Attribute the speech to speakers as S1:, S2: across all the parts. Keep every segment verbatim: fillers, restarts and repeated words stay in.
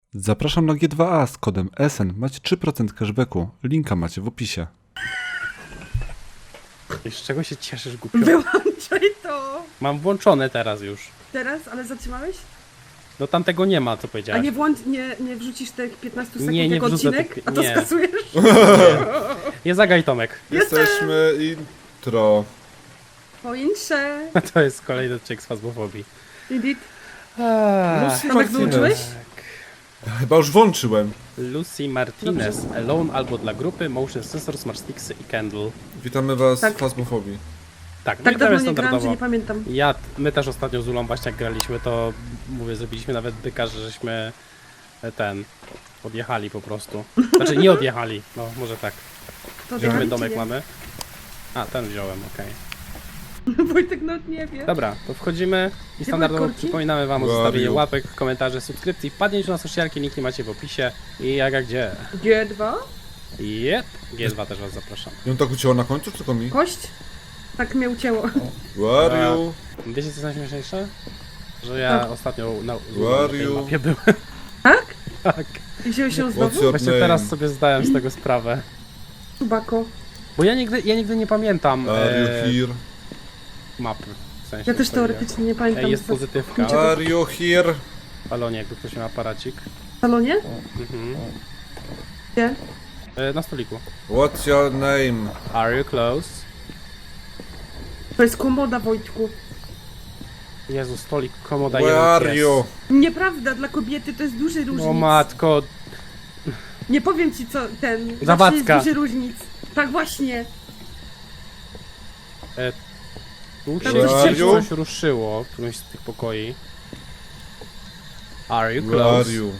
S1: Zapraszam na G dwa A z kodem S N. Macie trzy procent cashbacku. Linka macie w opisie.
S2: I z czego się cieszysz, głupio?
S3: Wyłączaj to!
S2: Mam włączone teraz już.
S3: Teraz, ale zatrzymałeś?
S2: No tam tego nie ma, co
S3: A
S2: powiedziałeś.
S3: nie, włącz, nie, nie wrzucisz tych piętnaście sekund
S2: Nie, nie
S3: jako
S2: wrzucę
S3: odcinek?
S2: tych-
S3: A to
S2: nie.
S3: skasujesz?
S2: Nie zagaj, Tomek.
S1: Jesteśmy intro.
S3: Poinsze.
S2: To jest kolejny odcinek z Phasmophobia.
S3: Indeed.
S1: Lucy
S3: Tomek,
S1: Martinez.
S3: wyłączyłeś?
S1: Chyba już włączyłem.
S2: Lucy Martinez, Alone albo dla grupy, Motion Sensor, Smart Sticksy i Candle.
S1: Witamy was
S3: Tak.
S1: w Phasmophobia.
S2: Tak, no
S3: Tak
S2: i
S3: dawno
S2: gramy
S3: nie grałam, że
S2: standardowo.
S3: nie pamiętam.
S2: Ja, my też ostatnio z Ulą właśnie jak graliśmy, to mówię, zrobiliśmy nawet byka, że żeśmy e, ten, odjechali po prostu. Znaczy nie odjechali, no może tak.
S3: To
S2: Gdzie my
S3: odjechali,
S2: domek
S3: czy nie?
S2: mamy? A, ten wziąłem, okej.
S3: Wojtek no nie wie.
S2: Dobra, to wchodzimy i
S3: Gdzie
S2: standardowo
S3: były korki?
S2: przypominamy wam o
S1: Where
S2: zostawieniu
S1: are you?
S2: łapek, komentarzy, subskrypcji, wpadnięciu na socialki, linki macie w opisie i jak a gdzie.
S3: G dwa?
S2: Jep, G dwa też was zapraszam.
S1: Ją tak ucięło na końcu, czy tylko mi?
S3: Kość? Tak mnie ucięło.
S1: Where are you?
S2: Wiecie co jest najśmieszniejsze? Że ja
S3: Tak.
S2: ostatnio na, z
S1: Where
S2: Ulą na
S1: are
S2: tej
S1: you?
S2: mapie byłem.
S3: Tak?
S2: Tak.
S3: I wziąłeś ją
S1: What's
S3: znowu?
S1: your
S2: Właśnie
S1: name?
S2: teraz sobie zdałem z tego sprawę.
S3: Tubako.
S2: Bo ja nigdy, ja nigdy nie pamiętam
S1: Are
S2: e,
S1: you here?
S2: mapy. W sensie
S3: Ja też
S2: swojej.
S3: teoretycznie nie pamiętam.
S2: E, jest
S3: z-
S2: pozytywka.
S3: Niczego.
S1: Are you here?
S2: W salonie, jakby ktoś miał aparacik.
S3: W salonie?
S2: Mhm.
S3: Gdzie?
S2: E, na stoliku.
S1: What's your name?
S2: Are you close?
S3: To jest komoda, Wojtku.
S2: Jezu, stolik, komoda,
S1: Where
S2: jeden
S1: are
S2: pies.
S1: you?
S3: Nieprawda, dla kobiety to jest duży różnic.
S2: O matko,
S3: Nie powiem ci co ten. Zawsze
S2: Zawadzka.
S3: jest duży różnic. Tak właśnie.
S2: tu
S3: Tam
S2: się
S1: coś
S2: coś,
S1: ciepło.
S2: coś ruszyło w którymś z tych pokoi. Are you
S1: Where are
S2: close?
S1: you?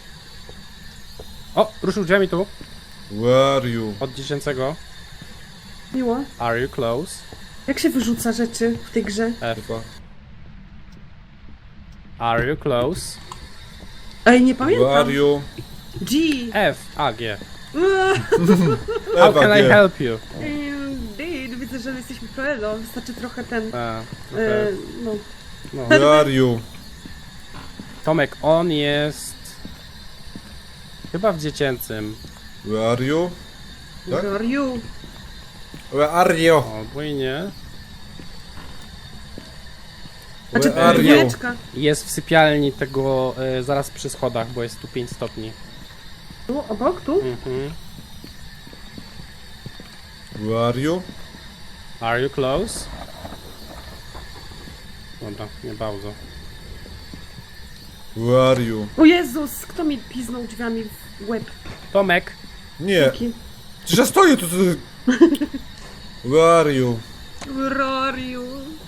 S2: O, ruszył drzwiami tu,
S1: Where are you?
S2: od dziecięcego.
S3: Miło.
S2: Are you close?
S3: Jak się wyrzuca rzeczy w tej grze?
S2: F.
S1: Chyba.
S2: Are you close?
S3: Ej, nie
S1: Where
S3: pamiętam.
S1: are you?
S3: G.
S2: F. A, G. How
S1: Ewa,
S2: can I
S1: G.
S2: help you?
S3: Indeed, widzę, że jesteśmy proelo. Wystarczy trochę ten.
S2: A,
S3: E,
S2: trochę,
S3: no.
S2: no.
S1: Where are you?
S2: Tomek, on jest... Chyba w dziecięcym.
S1: Where are you? Tak?
S3: Where are you?
S1: Where are you?
S2: O, bo i nie.
S3: Znaczy,
S1: Where are you?
S3: chwileczka.
S2: Jest w sypialni tego, e, zaraz przy schodach, bo jest tu pięć stopni.
S3: Tu, obok, tu?
S2: Mhm.
S1: Where are you?
S2: Are you close? Dobra, nie bardzo.
S1: Where are you?
S3: O Jezus, kto mi piznął drzwiami w łeb?
S2: Tomek!
S1: Nie.
S3: Taki.
S1: Przecież ja stoję tu. tu. Where are you?
S3: Where are you?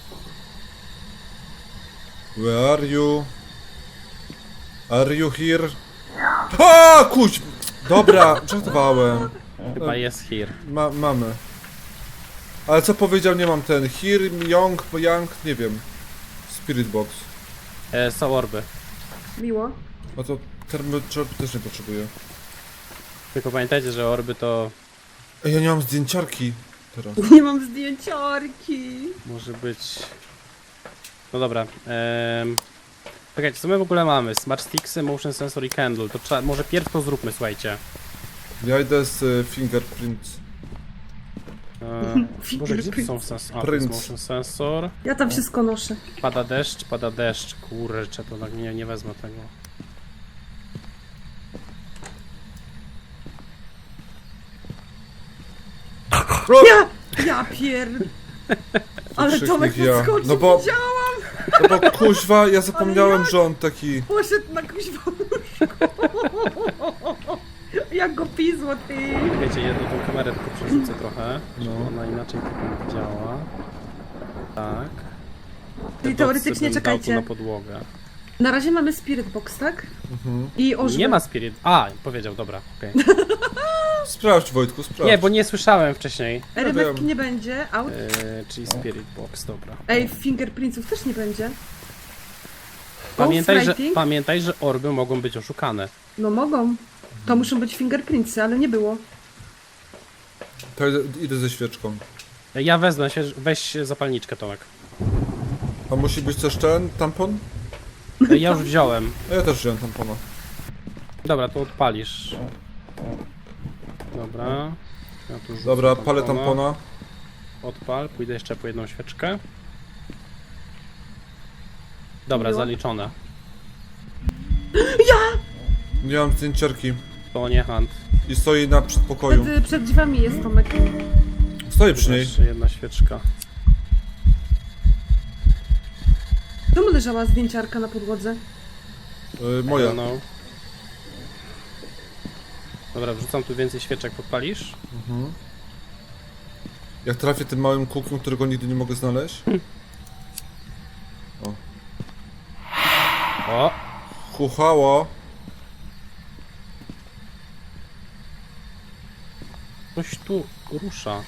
S1: Where are you? Are you here? A, kuć! Dobra, żartowałem.
S2: Chyba jest here.
S1: Ma, mamy. Ale co powiedział, nie mam ten. Here, young, young, nie wiem. Spirit box.
S2: E, są orby.
S3: Miło.
S1: No to termoczop też nie potrzebuję.
S2: Tylko pamiętajcie, że orby to
S1: Ej, ja nie mam zdjęciarki teraz.
S3: Nie mam zdjęciarki.
S2: może być... No dobra. Ehm... Czekajcie, co my w ogóle mamy? Smart Sticksy, Motion Sensor i Candle. To trzeba, może pierw to zróbmy, słuchajcie.
S1: Ja idę z y, fingerprints.
S2: Eee, Boże, gdzie to są sens... A, to jest
S1: Prints.
S2: Motion Sensor.
S3: Ja tam wszystko noszę.
S2: Pada deszcz, pada deszcz. Kurczę, to tak nie, nie wezmę tego.
S3: Ja! Ja pier... Ale
S1: Krzyknik
S3: Tomek
S1: ja.
S3: podskoczył,
S1: No bo-
S3: widziałam!
S1: No bo kuźwa, ja zapomniałem,
S3: jak?
S1: że on taki...
S3: Poszedł na kuźwa łóżko. Jak go pizło, ty!
S2: Wiecie, jedną tą kamerę tylko przerzucę trochę, żeby
S1: No.
S2: ona inaczej tak nie widziała. Tak.
S3: Czyli
S2: Te
S3: teoretycznie,
S2: dotsy bym dał tu
S3: czekajcie.
S2: na podłogę.
S3: Na razie mamy Spirit Box, tak?
S1: Mhm.
S3: I orzech.
S2: Nie ma spirit... A, powiedział, dobra, okej.
S1: Sprawdź, Wojtku, sprawdź.
S2: Nie, bo nie słyszałem wcześniej.
S3: Rybek
S1: wiem.
S3: nie będzie, out.
S2: Eee, czyli spirit box, dobra.
S3: Ej, fingerprintsów też nie będzie.
S2: Pamiętaj, że,
S3: Ghostwriting?
S2: pamiętaj, że orby mogą być oszukane.
S3: No mogą. To muszą być fingerprintsy, ale nie było.
S1: To idę, idę ze świeczką.
S2: Ja wezmę się, weź zapalniczkę, Tomek.
S1: A musi być też ten tampon?
S2: E, Ja już wziąłem.
S1: A ja też wziąłem tampona.
S2: Dobra, to odpalisz. Dobra. Ja tu rzucę
S1: Dobra, palę
S2: tampona.
S1: tampona.
S2: Odpal, pójdę jeszcze po jedną świeczkę. Dobra,
S3: Miło.
S2: zaliczone.
S1: Nie mam zdjęciarki.
S2: To nie hunt.
S1: I stoi na przedpokoju.
S3: Przed, przed drzwiami jest Tomek.
S1: Stoi przy niej.
S2: Jeszcze jedna świeczka.
S3: Czemu leżała zdjęciarka na podłodze?
S1: Y, moja.
S2: No. Dobra, wrzucam tu więcej świeczek, podpalisz?
S1: Mhm. Jak trafię tym małym kółkiem, którego nigdy nie mogę znaleźć. O.
S2: O!
S1: Chuchało.
S2: Coś tu rusza.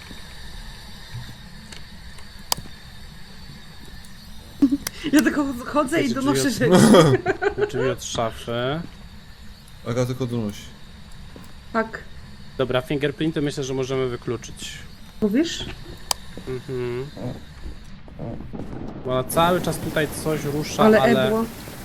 S3: Ja tylko chodzę i
S2: Drzwi
S3: donoszę
S2: od-
S3: rzeczy.
S2: Drzwi od szafy.
S1: Aga tylko donosi.
S3: Tak.
S2: Dobra, fingerprinty myślę, że możemy wykluczyć.
S3: Mówisz?
S2: Mhm. Bo cały czas tutaj coś rusza,
S3: Ale,
S2: ale...
S3: ebło.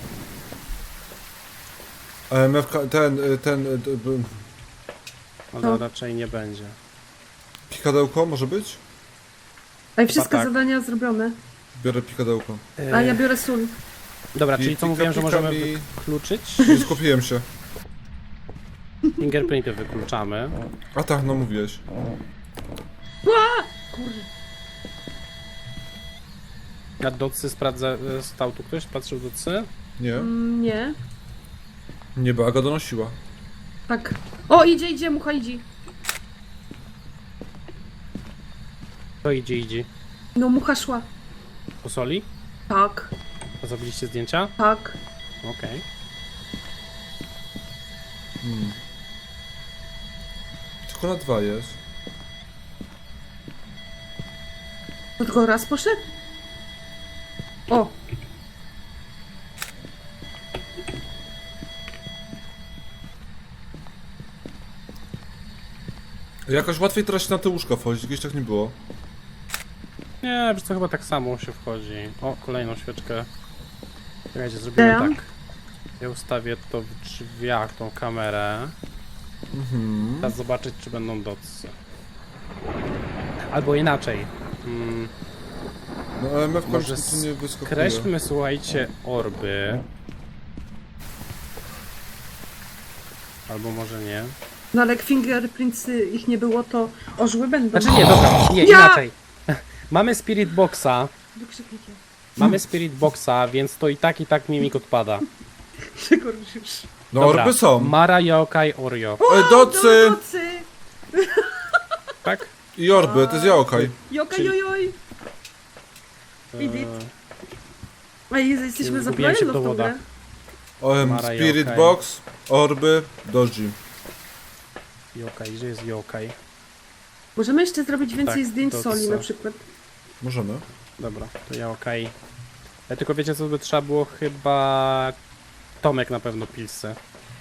S1: A M F K, ten, y, ten, y, d- b-
S2: ale
S3: No.
S2: raczej nie będzie.
S1: pikadełko może być?
S3: A i wszystkie
S2: tak.
S3: zadania zrobione.
S1: Biorę pikadełko.
S3: A ja biorę sól.
S2: Dobra,
S1: I
S2: czyli co
S1: pika-
S2: mówiłem, że
S1: pika
S2: możemy
S1: mi-
S2: wykluczyć?
S1: Nie skupiłem się.
S2: Fingerprinty wykluczamy.
S1: A tak, no mówiłeś.
S3: Kurde.
S2: Na docy sprawdza... e, Stał tu ktoś? Patrzył docy?
S1: Nie?
S3: Mm, nie.
S1: Nie, bo Aga donosiła.
S3: Tak. O, idzie, idzie, mucha idzie.
S2: To idzie, idzie.
S3: No, mucha szła.
S2: Po soli?
S3: Tak,
S2: A zrobiliście zdjęcia?
S3: tak.
S2: Okej.
S1: Hmm. Tylko na dwa jest.
S3: To tylko raz poszedł? O,
S1: Jakoś łatwiej teraz się na te łóżka wchodzić, kiedyś tak nie było.
S2: Nie, wiesz co, chyba tak samo się wchodzi. O, kolejną świeczkę. Czekajcie, zrobimy
S3: Dam.
S2: tak. Ja ustawię to w drzwiach, tą kamerę.
S1: Mhm.
S2: Teraz zobaczyć, czy będą docy. Albo inaczej. Mm,
S1: No M F
S2: może
S1: końcu nie wyskakuje.
S2: skreślmy, słuchajcie, orby. Albo może nie.
S3: no ale jak fingerprintsy ich nie było, to orzły będą.
S2: Znaczy nie, dobra, nie,
S3: Ja!
S2: inaczej. Mamy Spirit Boxa,
S3: Wykrzyknijcie.
S2: mamy Spirit Boxa, więc to i tak, i tak mimik odpada.
S3: Przekorzysz.
S1: No
S2: Dobra,
S1: orby są.
S2: Mara, Yokai, Oreo.
S1: Ej, docy!
S3: Docy!
S2: Tak?
S1: I orby, to jest jaokaj.
S3: Jokaj,
S2: Czyli-
S3: jojoj! Idit.
S2: Eee,
S3: Ej, jesteśmy
S2: Zgubiłem się
S3: zabrani
S2: w
S3: w tą
S2: dowodach.
S3: grę.
S1: Um,
S2: Mara
S1: Spirit
S2: Yokai.
S1: Box, orby, doji.
S2: Yokai, gdzie jest Yokai?
S3: Możemy jeszcze zrobić więcej
S2: Tak,
S3: zdjęć
S2: to
S3: soli
S2: co?
S3: na przykład.
S1: Możemy.
S2: Dobra, to ja okej. Ja tylko wiecie co by trzeba było chyba... Tomek na pewno pilsy.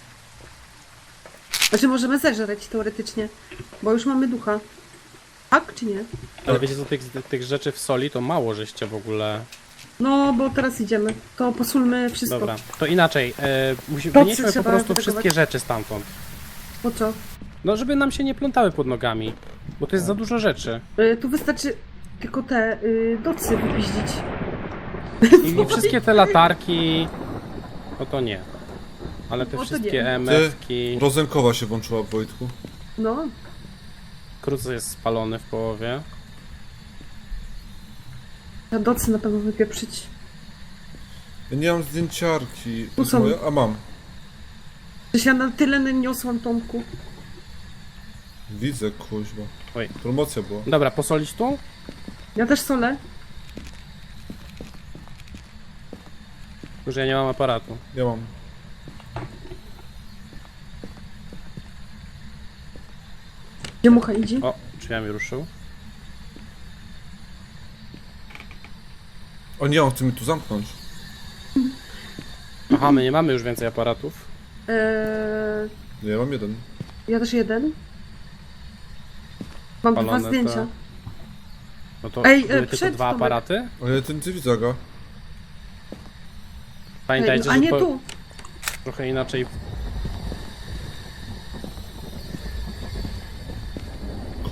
S3: Znaczy możemy zeżreć teoretycznie, bo już mamy ducha. Tak czy nie?
S2: Ale wiecie co, tych, tych rzeczy w soli to mało żeście w ogóle...
S3: No, bo teraz idziemy. To posulmy wszystko.
S2: Dobra, to inaczej. E, musi,
S3: Docy
S2: wynieśmy po
S3: trzeba
S2: prostu
S3: wytakować.
S2: wszystkie rzeczy stamtąd.
S3: Po co?
S2: No żeby nam się nie plątały pod nogami. Bo to jest za dużo rzeczy.
S3: Y, tu wystarczy tylko te y, docy wypiździć.
S2: I, I wszystkie te latarki... No to nie. Ale te
S3: No to
S2: wszystkie
S3: nie.
S2: E M F-ki...
S1: Rozenkowa się włączyła w Wojtku.
S3: No,
S2: Krucy jest spalony w połowie.
S3: te docy na pewno wypieprzyć.
S1: Ja nie mam zdjęciarki. To
S3: Tu
S1: jest
S3: są.
S1: moja? A mam.
S3: Przecież ja na tyle niosłam Tomku.
S1: Widzę, kuźba.
S2: Oj.
S1: Promocja była.
S2: Dobra, posolić tu?
S3: Ja też solę.
S2: Już ja nie mam aparatu.
S1: Ja mam.
S3: Gdzie mucha idzie?
S2: O, drzwiami ruszył.
S1: O nie, on chce mnie tu zamknąć.
S2: Aha, my nie mamy już więcej aparatów.
S3: Eee,
S1: Nie, ja mam jeden.
S3: ja też jeden. Mam dwa
S2: Palone
S3: zdjęcia.
S2: te- No to
S3: Ej, e,
S2: były tylko
S3: przed
S2: dwa
S3: Tomek.
S2: aparaty.
S1: Ale ten ty widzę go.
S3: Ej,
S2: Pamiętajcie,
S3: a
S2: że
S3: nie
S2: po...
S3: tu.
S2: trochę inaczej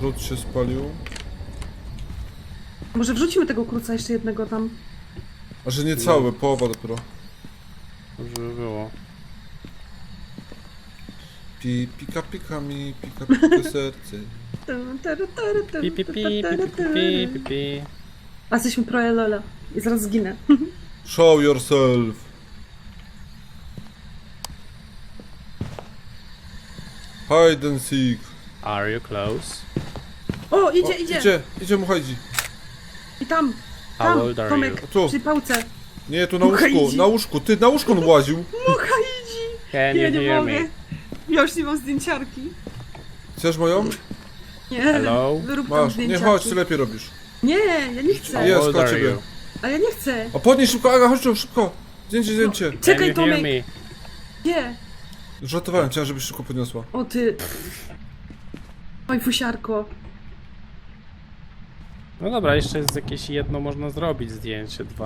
S1: Krót się spalił.
S3: Może wrzucimy tego kruca jeszcze jednego tam.
S1: A że nie cały, połowa dopiero.
S2: Dobrze by było.
S1: Pi, pika, pika mi, pika, pika serce.
S2: Pi, pi, pi, pi, pi, pi, pi, pi.
S3: A jesteśmy pro Lola. I zaraz zginę.
S1: Show yourself. Hide and seek.
S2: Are you close?
S3: O, idzie,
S1: O,
S3: idzie.
S1: Idzie, idzie mu chodzi.
S3: I tam.
S2: How
S3: Tam,
S2: old are
S3: Tomek,
S2: you?
S1: Tu.
S3: przy pałce.
S1: Nie, tu na
S3: Mucha
S1: łóżku,
S3: idzi.
S1: na łóżku. Ty, na łóżku on łaził.
S3: Mucha idzi.
S2: Can
S3: Ja
S2: you
S3: nie
S2: hear
S3: mogę.
S2: me?
S3: Ja już nie mam zdjęciarki.
S1: Chcesz moją?
S3: Nie,
S2: Hello?
S3: wyrób tam
S1: Masz. Nie,
S3: zdjęciarki.
S1: chodź, ty lepiej robisz.
S3: Nie, ja nie chcę.
S1: Jest,
S2: How old
S1: koło
S2: are
S1: ciebie.
S2: you?
S3: A ja nie chcę.
S1: A podnieś szybko, Aga, chodź tu, szybko. Zdjęcie, zdjęcie.
S2: Can
S3: Czekaj,
S2: you hear
S3: Tomek.
S2: me?
S3: Gdzie?
S1: Żartowałem, chciałem, żebyś szybko podniosła.
S3: O ty. Oj, fusiarko.
S2: No dobra, jeszcze jest jakieś jedno można zrobić zdjęcie, dwa.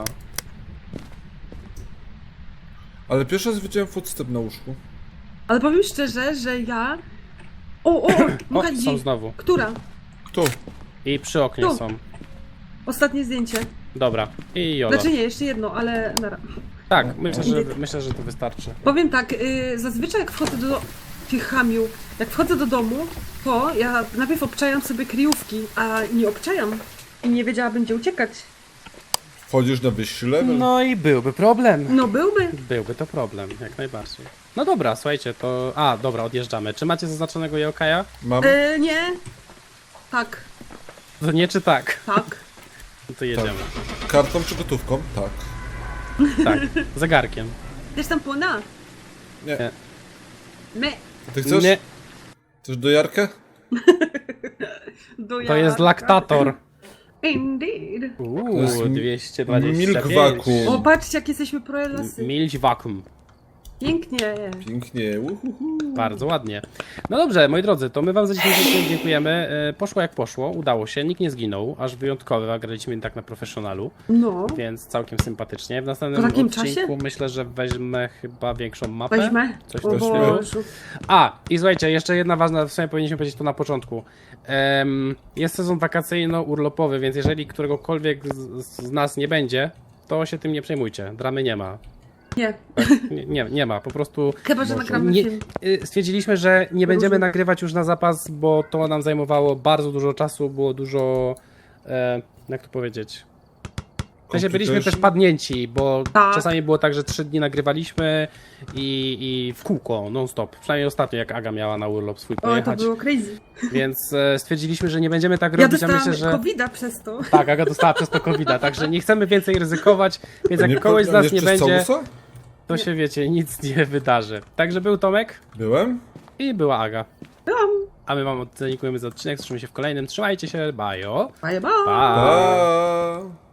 S1: Ale pierwszy raz widziałem footstep na łóżku.
S3: Ale powiem szczerze, że ja... O, o, o,
S2: O,
S3: mucha
S2: są
S3: idzi.
S2: znowu.
S3: Która?
S1: Kto?
S2: I przy oknie
S3: Tu.
S2: są.
S3: Ostatnie zdjęcie.
S2: Dobra. I jolo.
S3: Znaczy nie, jeszcze jedno, ale nara.
S2: Tak, myślę, że, myślę, że to wystarczy.
S3: Powiem tak, y, zazwyczaj jak wchodzę do tych hamiu, jak wchodzę do domu, to ja najpierw obczajam sobie kryjówki, a nie obczajam. I nie wiedziałabym, gdzie uciekać.
S1: Wchodzisz na wyższy level?
S2: No i byłby problem.
S3: No byłby.
S2: Byłby to problem, jak najbardziej. No dobra, słuchajcie, to... A, dobra, odjeżdżamy. Czy macie zaznaczonego Yokaja?
S1: Mam?
S3: Y, nie. Tak,
S2: To nie czy tak?
S3: tak.
S2: No to jedziemy.
S1: Kartą czy gotówką? Tak.
S2: Tak, zegarkiem.
S3: Wiesz tam płona?
S1: Nie.
S2: Nie.
S3: Me.
S1: Ty chcesz?
S2: Nie,
S1: Chcesz dojarkę?
S3: Do
S2: to jest
S3: jajka.
S2: laktator.
S3: Indeed.
S1: To
S2: Uuu,
S1: jest
S2: dwieście dwadzieścia pięć.
S1: milk vacuum.
S3: O, patrzcie, jak jesteśmy proelasy.
S2: Milk vacuum.
S3: Pięknie.
S1: Pięknie, uhuhu.
S2: Bardzo ładnie. No dobrze, moi drodzy, to my wam za dzisiejszy odcinek dziękujemy. E, Poszło jak poszło, udało się, nikt nie zginął, aż wyjątkowy, a graliśmy tak na profesjonalu,
S3: No,
S2: więc całkiem sympatycznie. W następnym
S3: Po takim
S2: odcinku
S3: czasie?
S2: myślę, że weźmę chyba większą mapę.
S3: weźmy.
S2: Coś
S3: O
S2: w tym stylu.
S3: Bożu.
S2: A, i słuchajcie, jeszcze jedna ważna, w sumie powinniśmy powiedzieć to na początku. Em, jest sezon wakacyjno-urlopowy, więc jeżeli któregokolwiek z, z nas nie będzie, to się tym nie przejmujcie. Dramy nie ma.
S3: Nie,
S2: Nie, nie, nie ma, po prostu
S3: chyba, że nagramy
S2: nie,
S3: film.
S2: y, stwierdziliśmy, że nie będziemy
S3: Różne.
S2: nagrywać już na zapas, bo to nam zajmowało bardzo dużo czasu, było dużo, e, jak to powiedzieć, w sensie byliśmy też
S1: Complication?
S2: padnięci, bo
S3: Tak.
S2: czasami było tak, że trzy dni nagrywaliśmy i, i w kółko, non stop, przynajmniej ostatnio jak Aga miała na urlop swój
S3: O, to
S2: pojechać,
S3: było crazy.
S2: więc e, stwierdziliśmy, że nie będziemy tak
S3: Ja
S2: robić, a
S3: dostałam
S2: myślę, że...
S3: kowida przez to.
S2: Tak, Aga dostała przez to kowida, także nie chcemy więcej ryzykować, więc jak
S1: Nie
S2: kogoś z nas nie
S1: przez
S2: będzie,
S1: całusa?
S2: to się wiecie, nic nie wydarzy. Także był Tomek
S1: Byłem?
S2: i była Aga.
S3: Byłam.
S2: A my wam dziękujemy za odcinek, słyszymy się w kolejnym. Trzymajcie się, bajo.
S3: Bye, bye.
S2: Pa!
S1: Pa!